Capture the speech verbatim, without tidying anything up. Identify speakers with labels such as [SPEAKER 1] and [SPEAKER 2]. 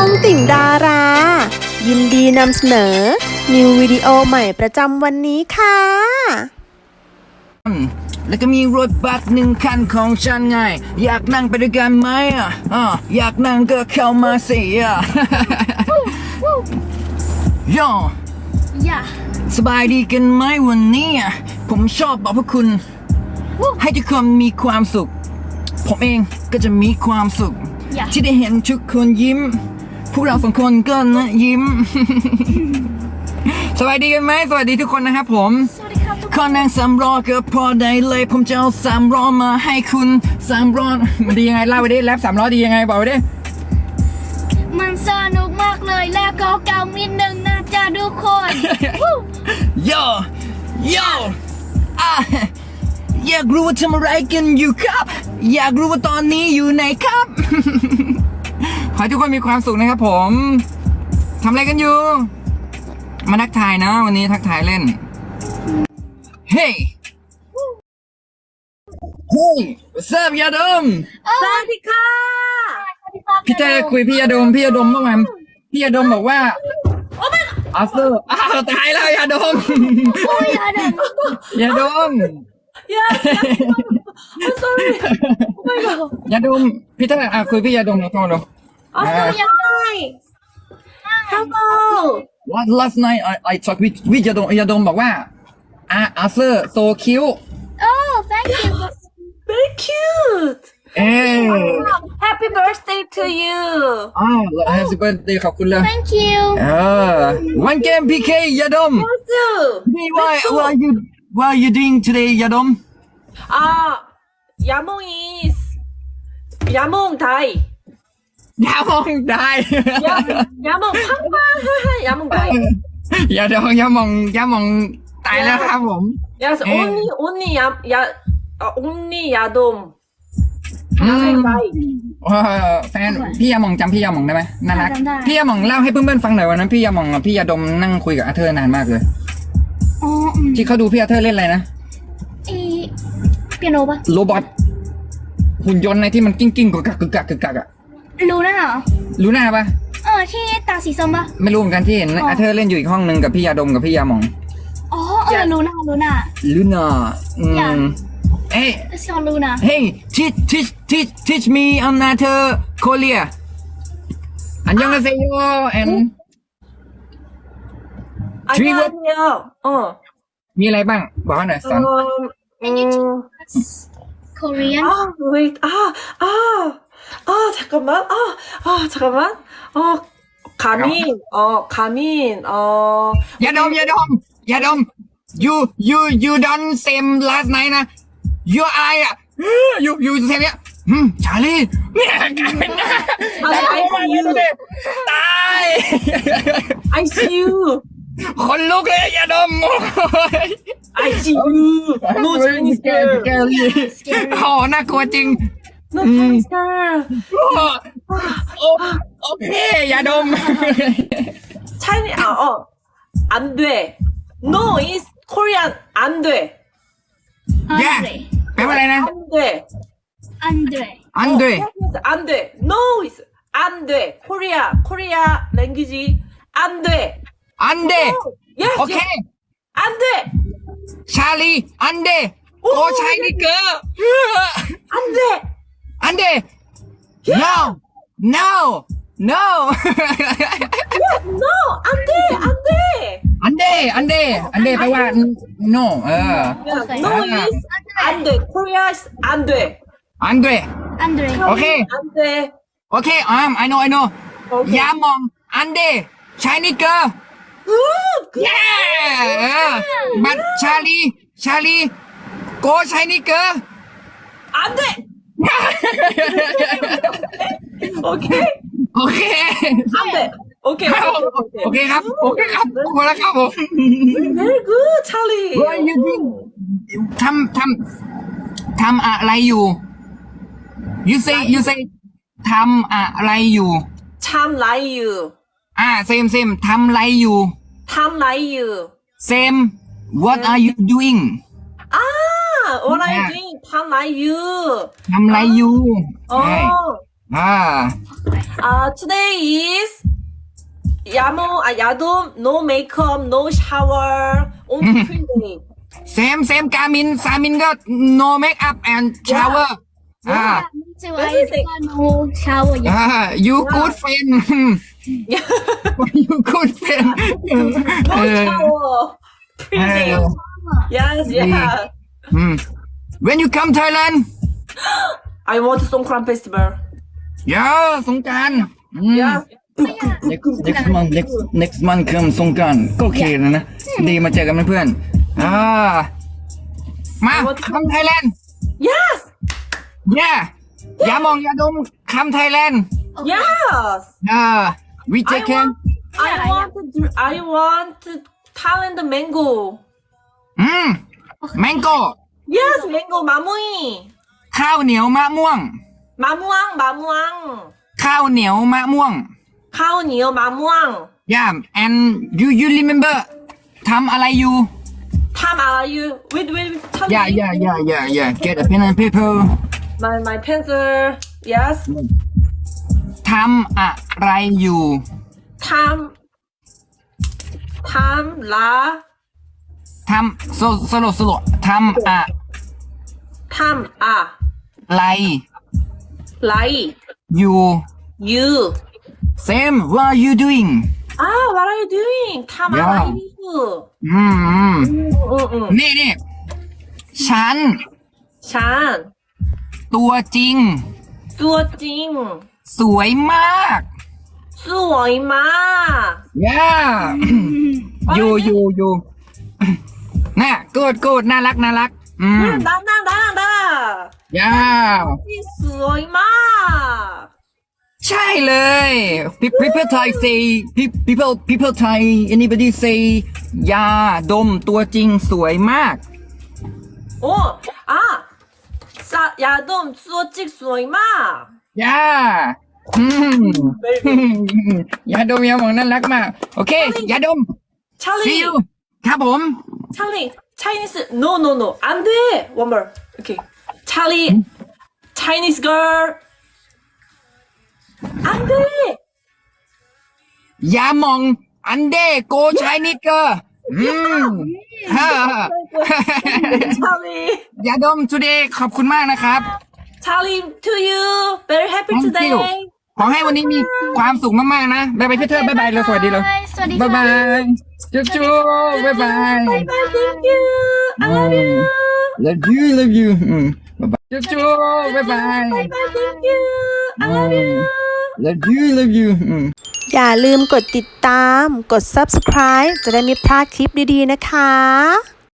[SPEAKER 1] องติ่งดารา ยินดีนำเสนอ นิววิดีโอใหม่ประจำวันนี้ค่ะ
[SPEAKER 2] แล้วก็มีรถบัสหนึ่งคันของฉันไง อยากนั่งไปด้วยกันไหมอ่ะอ่ะอยากนั่งก็เข้ามาสิอ่ะ ย่อ
[SPEAKER 3] อย่า
[SPEAKER 2] สบายดีกันไหมวันนี้อ่ะผมชอบบอกพวกคุณ ให้ทุกคนมีความสุข ผมเองก็จะมีความสุข
[SPEAKER 3] อย่า
[SPEAKER 2] ที่ได้เห็นทุกคนยิ้ม พวกเราสองคนก็นะยิ้ม สวัสดีกันไหมสวัสดีทุกคนนะครับผม
[SPEAKER 3] สวัสดีครับทุก
[SPEAKER 2] ขอนั่งสามล้อก็พอได้เลยผมจะเอาสามล้อมาให้คุณสามล้อมันดียังไงเล่าไปดิแรปสามล้อดียังไงบอกไปดิ
[SPEAKER 3] มันสนุกมากเลยแล้วก็เก่านิดนึงนะจ๊ะทุกคน
[SPEAKER 2] โยโยอ่ะอยากรู้ว่าทำอะไรกันอยู่ครับ อยากรู้ว่าตอนนี้อยู่ไหนครับ ขอให้ทุกคนมีความสุขนะครับผมทำอะไรกันอยู่ มาทักทายนะวันนี้ทักทายเล่น เฮ้ยเฮ้ยเซิร์ฟยาดม
[SPEAKER 3] สวัสดีค่ะสวัสดีครับ
[SPEAKER 2] พี่เต้คุยพี่ยาดมพี่ยาดมเมื่อวานพี่ยาดมบอกว่าอาเซอร์อ้าวตายแล้วยาดม
[SPEAKER 3] โอ้ยอย่าเดิน
[SPEAKER 2] ยาดม
[SPEAKER 3] yes I'm sorry oh my god
[SPEAKER 2] ยาดมพี่เต้อ่ะคุยพี่ยาดมหน่อยโทรดู
[SPEAKER 3] also ยังไง hello
[SPEAKER 2] Last last night I I talk with วิยาดมยาดมบอกว่าอ่ะอาเซอร์โซคิว
[SPEAKER 3] oh thank you
[SPEAKER 4] Very cute.
[SPEAKER 2] เอ้
[SPEAKER 4] Happy birthday to you.
[SPEAKER 2] อ้าวแฮปปี้เบิร์ธเดย์ขอบคุณเลย
[SPEAKER 3] thank you
[SPEAKER 2] เออวันเกมพีเคยาดม
[SPEAKER 4] Also.
[SPEAKER 2] Hey, why what are you what are you doing todayยาดม
[SPEAKER 4] Ah, Yamong is Yamong Dai.
[SPEAKER 2] ยามองได้
[SPEAKER 4] Yam- Yamong Pangpang. Yamong Dai.
[SPEAKER 2] ยาดมยามองยามองตายแล้วครับผม
[SPEAKER 4] Yes,
[SPEAKER 2] Eh.
[SPEAKER 4] only only Yam Ya uh, only Yadom.
[SPEAKER 2] อืม
[SPEAKER 4] Yamong Dai.
[SPEAKER 2] เออแฟนพี่ยามองจำพี่ยามองได้ไหมน่ารัก
[SPEAKER 3] จำได้
[SPEAKER 2] พี่ยามองเล่าให้เพื่อนๆฟังหน่อยวันนั้นพี่ยามองกับพี่ยาดมนั่งคุยกับอาเธอร์นานมากเลย
[SPEAKER 3] อ๋ออืม
[SPEAKER 2] ที่เขาดูพี่อาเธอร์เล่นอะไรนะ
[SPEAKER 3] ไอเปียโนปะ
[SPEAKER 2] โรบอทหุ่นยนต์ในที่มันกิ้งกิ้งกึกกักกึกกักกึกกักอะ
[SPEAKER 3] รู้นั่นเหรอ
[SPEAKER 2] รู้หน้าปะ
[SPEAKER 3] เออที่ตาสีส้มปะ
[SPEAKER 2] ไม่รู้เหมือนกันที่เห็น
[SPEAKER 3] อ๋ออ
[SPEAKER 2] อาเธอร์เล่นอยู่อีกห้องหนึ่งกับพี่ยาดมกับพี่ยามอง
[SPEAKER 3] อ๋อเออรู้นะรู้นะ
[SPEAKER 2] ลูน่าอื
[SPEAKER 3] อย่า
[SPEAKER 2] มเอ้ย
[SPEAKER 3] ชอบรู้นะ
[SPEAKER 2] hey teach teach teach teach me on อาเธอร์โคเรียอันยองอาเซโย and Three word.
[SPEAKER 4] 안녕하세요. 어.
[SPEAKER 2] มีอะไรบ้างบอกให้หน่อยสอน
[SPEAKER 4] Um,
[SPEAKER 3] Can you
[SPEAKER 4] 음,
[SPEAKER 3] teach us Korean
[SPEAKER 4] 아, wait. 아, 아. 아, 잠깐만. 아, 아, 잠깐만. 어, 가민. 어, 가민. 어.
[SPEAKER 2] อย่าดมอย่าดมอย่าดม you you you don't same last night นะ you อะไรอ่ะ you you same เนี่ยอืมชาลีเนี่ยกลายเป็นหน้า
[SPEAKER 4] I, I see you.
[SPEAKER 2] ตาย
[SPEAKER 4] I see you.
[SPEAKER 2] คนลุกเลยอย่าดม
[SPEAKER 4] I see you. No Chinese
[SPEAKER 2] แก
[SPEAKER 4] girl.
[SPEAKER 2] ลี่โอ้น่ากลัวจริง
[SPEAKER 4] No Chinese girl.
[SPEAKER 2] โอ้โอเคอย่าดม
[SPEAKER 4] Chinese. 아, 어. 안 돼. No is Korean. 안 돼.
[SPEAKER 2] แย่แปลว่าอะไรนะ
[SPEAKER 4] 안 돼.
[SPEAKER 3] อันเดร
[SPEAKER 2] อันเดร
[SPEAKER 4] 어, yes, 안 돼. No is 안 돼. Korea. Korea language. 안 돼.
[SPEAKER 2] อันเด
[SPEAKER 4] No. Yes.
[SPEAKER 2] โอเค
[SPEAKER 4] yes. 안 돼.
[SPEAKER 2] ชาลีอันเดโอ้ชายนี่เกอ
[SPEAKER 4] 안 돼.
[SPEAKER 2] อันเด no no no
[SPEAKER 4] Yes. No. 안 돼. 안 돼.
[SPEAKER 2] อันเดอันเดอันเดแปลว่า no เออ
[SPEAKER 4] Yes. No
[SPEAKER 2] Ah.
[SPEAKER 4] is 안 돼. Korea is 안 돼.
[SPEAKER 2] อันเด
[SPEAKER 3] อันเดร
[SPEAKER 2] Okay.
[SPEAKER 4] 안 돼.
[SPEAKER 2] โอเคอ่า I know I know
[SPEAKER 4] Okay.
[SPEAKER 2] ยามองอันเดชายนี่เกอ
[SPEAKER 4] Good. Good.
[SPEAKER 2] เย้เออบัตชาลีชาลีโกชายนี่เกอ
[SPEAKER 4] 안 돼. 오케이.
[SPEAKER 2] โอเค
[SPEAKER 4] 안 돼. 오케이.
[SPEAKER 2] โอเคครับโอเคครับพอแล้วครับผม
[SPEAKER 4] Very good, Charlie.
[SPEAKER 2] What are you doing? ทำทำทำอะไรอยู่ you say you say ทำอะไรอยู่
[SPEAKER 4] 참 라이유.
[SPEAKER 2] อ่า same same ทำอะไรอยู่
[SPEAKER 4] 참 라이유.
[SPEAKER 2] same what are you doing
[SPEAKER 4] 아, what are you
[SPEAKER 2] Yeah.
[SPEAKER 4] doing? 참 라이유.
[SPEAKER 2] ทำอะไรอยู่
[SPEAKER 4] 어.
[SPEAKER 2] ใช่อ่า
[SPEAKER 4] Uh, today is Yamo, uh, Yadom, no makeup, no shower, only clean day.
[SPEAKER 2] same same กามินสามินก็ no make up and shower อ่า
[SPEAKER 3] ไม่ใช่ว่าไอ้ก็โนชาวอย่าง
[SPEAKER 2] อ่า you good friend
[SPEAKER 4] Yeah,
[SPEAKER 2] you good friend
[SPEAKER 4] no shower, clean day. Yes, yeah.
[SPEAKER 2] อืม when you come Thailand
[SPEAKER 4] I want Songkran festival.
[SPEAKER 2] ยาสงกรานต์อืม
[SPEAKER 4] Yes.
[SPEAKER 2] next next month next next month คือสงกรานต์ก็โอเคแล้วนะ ดีมาเจอกันเพื่อนๆอ่า มาคำไทยแลนด์
[SPEAKER 4] Yes.
[SPEAKER 2] เย่อย่ามองอย่าดมคำไทยแลนด์
[SPEAKER 4] Yes.
[SPEAKER 2] อ่า we
[SPEAKER 4] I
[SPEAKER 2] take care
[SPEAKER 4] want, I want, to, I want Thailand mango.
[SPEAKER 2] อืม mango
[SPEAKER 4] Yes, mango 마무이.
[SPEAKER 2] ข้าวเหนียวมะม่วง
[SPEAKER 4] 마무왕, 마무왕.
[SPEAKER 2] ข้าวเหนียวมะม่วง
[SPEAKER 4] 카오니요, 마무왕.
[SPEAKER 2] yeah and you you remember ทำอะไรอยู่
[SPEAKER 4] 탐 are you? Wait, wait, wait. Tell
[SPEAKER 2] yeah
[SPEAKER 4] me.
[SPEAKER 2] yeah yeah yeah yeah get a pen and paper
[SPEAKER 4] My, my pencil. Yes.
[SPEAKER 2] ทำอะไรอยู่
[SPEAKER 4] 탐. 탐, 라.
[SPEAKER 2] ทำโซโซโลโซโลทำอะ
[SPEAKER 4] 탐, 아.
[SPEAKER 2] ไร
[SPEAKER 4] 라이.
[SPEAKER 2] อยู่
[SPEAKER 4] You.
[SPEAKER 2] same what are you doing
[SPEAKER 4] Ah, what are you doing? 탐,
[SPEAKER 2] Yeah.
[SPEAKER 4] 아, you.
[SPEAKER 2] อืมอืม
[SPEAKER 4] 응, 응.
[SPEAKER 2] นี่นี่ฉัน
[SPEAKER 4] 샨.
[SPEAKER 2] ตัวจริง
[SPEAKER 4] 뚜어찡.
[SPEAKER 2] สวยมาก
[SPEAKER 4] 수워이마.
[SPEAKER 2] yeah อยู่อยู่อยู่ น่ะกูดกูดน่ารักน่ารัก อืม
[SPEAKER 4] 나, 나, 나, 나.
[SPEAKER 2] yeah
[SPEAKER 4] 수워이마.
[SPEAKER 2] ใช่เลย Pe- people Thai say pe- people people Thai anybody say ยาดมตัวจริงสวยมาก
[SPEAKER 4] 오, 아. 싸, 야돔, 수어찡, 수워이마.
[SPEAKER 2] ย่าอืม ยาดมยาหมองน่ารักมาก โอเค ยาดม see
[SPEAKER 4] 찰리.
[SPEAKER 2] you ครับผม
[SPEAKER 4] 찰리. 차이니스. No, no, no. 안 돼. One more. Okay. 찰리. Chinese girl. 안 돼.
[SPEAKER 2] ยาหมองอันเดโกชายนิดเกอร์อืมฮ่า
[SPEAKER 4] 찰리.
[SPEAKER 2] ยาดม today ขอบคุณมากนะครับ
[SPEAKER 4] 찰리 to you. Very happy
[SPEAKER 2] Thank
[SPEAKER 4] today.
[SPEAKER 2] you. ขอให้วันนี้มีความสุขมากๆนะบ๊ายบายพี่เธอบายบายเลยสวัสดีเลย
[SPEAKER 3] สวัสดี
[SPEAKER 2] บาย
[SPEAKER 3] ค่ะ
[SPEAKER 2] บายจุ๊บจุ๊บบ๊ายบาย
[SPEAKER 4] Bye bye. Thank you. I love you.
[SPEAKER 2] love you love you อืมบ๊ายบายจุ๊บจุ๊บบ๊ายบาย
[SPEAKER 4] Bye bye. Thank you. I love you.
[SPEAKER 2] love you love you อืม
[SPEAKER 1] อย่าลืมกดติดตาม กด ซับสไครบ์ จะได้ไม่พลาดคลิปดีๆนะคะ